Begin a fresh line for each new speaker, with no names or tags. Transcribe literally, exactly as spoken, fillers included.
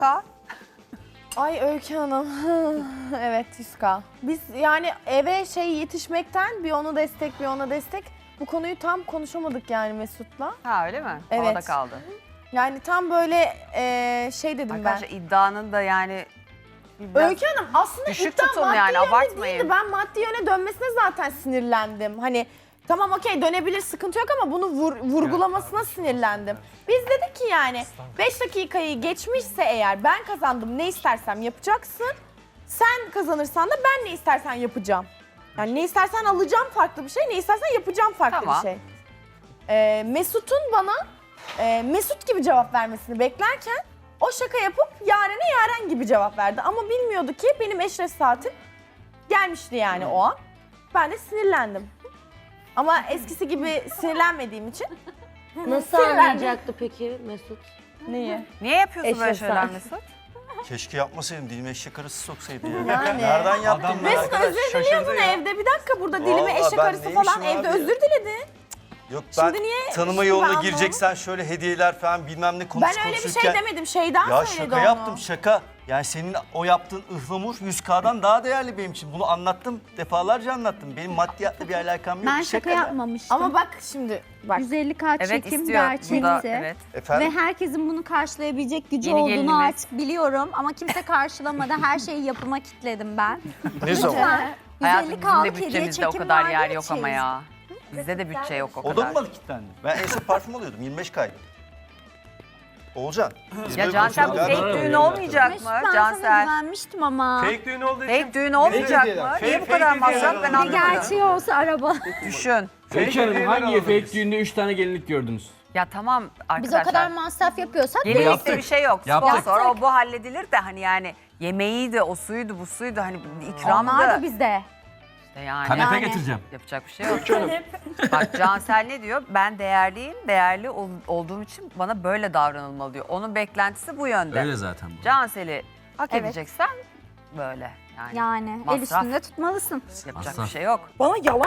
Ka?
Ay Öykü Hanım. Evet yüz K. Biz yani eve şey yetişmekten bir ona destek bir ona destek. Bu konuyu tam konuşamadık yani Mesut'la.
Ha öyle mi?
Evet.
Havada kaldı.
Yani tam böyle eee, şey dedim
Arkadaşlar
ben.
iddianın da yani biraz
Öykü Hanım aslında
düşük
iddia
tutun
maddi
yani,
yönde
abartmayın.
değildi. Ben maddi yöne dönmesine zaten sinirlendim. Hani tamam okey dönebilir sıkıntı yok ama bunu vur- vurgulamasına sinirlendim. Biz dedik ki yani beş dakikayı geçmişse eğer ben kazandım ne istersem yapacaksın. Sen kazanırsan da ben ne istersen yapacağım. Yani ne istersen alacağım farklı bir şey, ne istersen yapacağım farklı
Tamam.
bir şey. Ee, Mesut'un bana e, Mesut gibi cevap vermesini beklerken o şaka yapıp Yaren'e Yaren gibi cevap verdi. Ama bilmiyordu ki benim eşref saatim gelmişti yani o an. Ben de sinirlendim. Ama eskisi gibi sinirlenmediğim için.
Nasıl
Sinirlendim.
anlayacaktı peki Mesut?
Neyi?
niye yapıyorsun böyle
Eşref
şeyler
sen.
Mesut?
Keşke yapmasaydım. Dilime eşek arısı soksaydı ya.
Yani.
Nereden yaptın
Adam
ben
Mesut
arkadaş?
özür
Şaşırdı
diliyordun
ya.
evde. Bir dakika burada dilime
Vallahi
eşek
ben
arısı
neymişim
falan
abi
evde
ya?
özür diledi.
Yok ben
Şimdi niye
tanıma
şimdi
yoluna
ben
gireceksen şöyle hediyeler falan bilmem ne konuş
Ben öyle bir şey
konuşurken-
demedim. Şeyden
Ya
söyledi
şaka
onu.
yaptım şaka. Yani senin o yaptığın ıhlamur yüz K'dan daha değerli benim için. Bunu anlattım. Defalarca anlattım. Benim maddiyatla bir alakam yok.
Ben
Şaka
şaka
da.
yapmamıştım.
Ama bak şimdi bak.
yüz elli K
Evet
çekim
istiyor.
gerçekti.
Bu da, evet.
Efendim?
Ve herkesin bunu karşılayabilecek gücü
Yeni
olduğunu
gelinimiz.
artık biliyorum. Ama kimse karşılamadı. Her şeyi yapıma kitledim ben.
Ne zaman?
Lütfen.
Hayatım
yüz elli
bizim de
K'lık hediye
bütçemizde o
çekim
kadar
vardı
yer
ya
yok ama
çeyizde.
ya. Bizde de bütçe yok o
O da
kadar.
mı bana kilitlendi? Ben en son parfüm alıyordum. yirmi beş K'ydı. Oğulcan. biz
Ya
böyle
Cansel bu
konuşuyorduk.
fake
Galiba
düğün
öyle
olmayacak
Mesut
mı
ben sana
Cansel?
güvenmiştim ama.
Fake düğün olduğu için.
Fake düğün olmayacak
hediyeler.
mı?
Fake-
Niye bu
fake
kadar
hediyeler
masraf ben
alın.
Ne
anlamadım.
gerçeği olsa araba.
Düşün.
Fake
Peki Hanım
hediyeler
hangi
alın
fake
biz.
düğünde üç tane gelinlik gördünüz?
Ya tamam
Biz
arkadaşlar.
o kadar masraf yapıyorsak
Gelinlikte
Yaptık.
bir şey yok.
Yaptık.
Sponsor o bu halledilir de hani yani yemeğiydi, o suydu, bu suydu hani ikramdı.
onlar da bizde.
İşte yani.
Kanepe
Yani.
getireceğim.
Yapacak bir şey yok. Bak Cansel ne diyor? Ben değerliyim, değerli ol- olduğum için bana böyle davranılmalı diyor. Onun beklentisi bu yönde.
Öyle zaten bu.
Cansel'i hak
Evet.
edeceksen böyle yani.
Yani el
Masraf.
üstünde tutmalısın.
Yapacak
Masraf.
bir şey yok.
Bana yalan